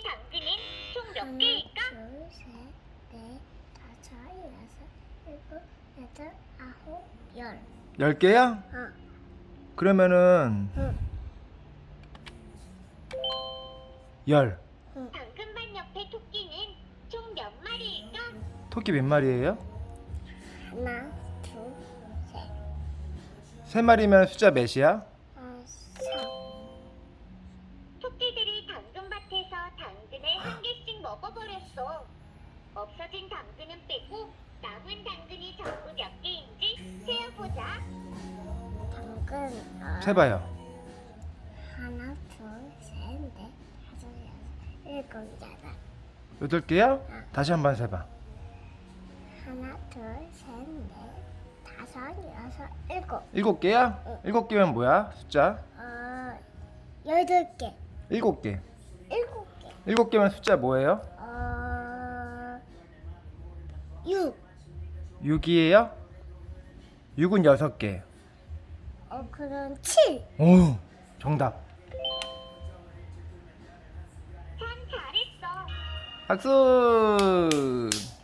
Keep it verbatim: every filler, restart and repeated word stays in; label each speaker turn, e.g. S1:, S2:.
S1: 당근은 총 몇
S2: 하나,
S1: 개일까?
S2: 둘, 셋, 넷, 다섯, 여섯, 일곱, 여덟, 아홉, 열.
S3: 열 개야?
S2: 어,
S3: 그러면은
S2: 응,
S3: 열.
S2: 응.
S1: 당근밭 옆에 토끼는 총 몇 마리일까?
S3: 토끼 몇 마리예요?
S2: 하나, 둘, 셋,
S3: 세 마리면 숫자 몇이야?
S2: 다섯.
S1: 토끼들이 당근밭에서 당근을 한 개씩 먹어버렸어. 없어진 당근은 빼고 남은 당근이 전부 몇 개인지 세어보자.
S2: 당근. 어,
S3: 세봐요.
S2: 하나, 둘, 셋, 넷, 다섯, 여섯, 일곱, 여덟.
S3: 여덟 개야? 다시 한번 세봐.
S2: 하나, 둘, 셋, 넷, 다섯, 여섯, 일곱.
S3: 일곱 개야?
S2: 응.
S3: 일곱 개면 뭐야? 숫자?
S2: 어, 여덟 개.
S3: 일곱 개.
S2: 일곱 개.
S3: 일곱 개면 숫자 뭐예요?
S2: 어, 육.
S3: 육이에요? 육은 여섯 개.
S2: 어, 그럼 칠.
S3: 오, 정답.
S1: 참 잘했어.
S3: 박수!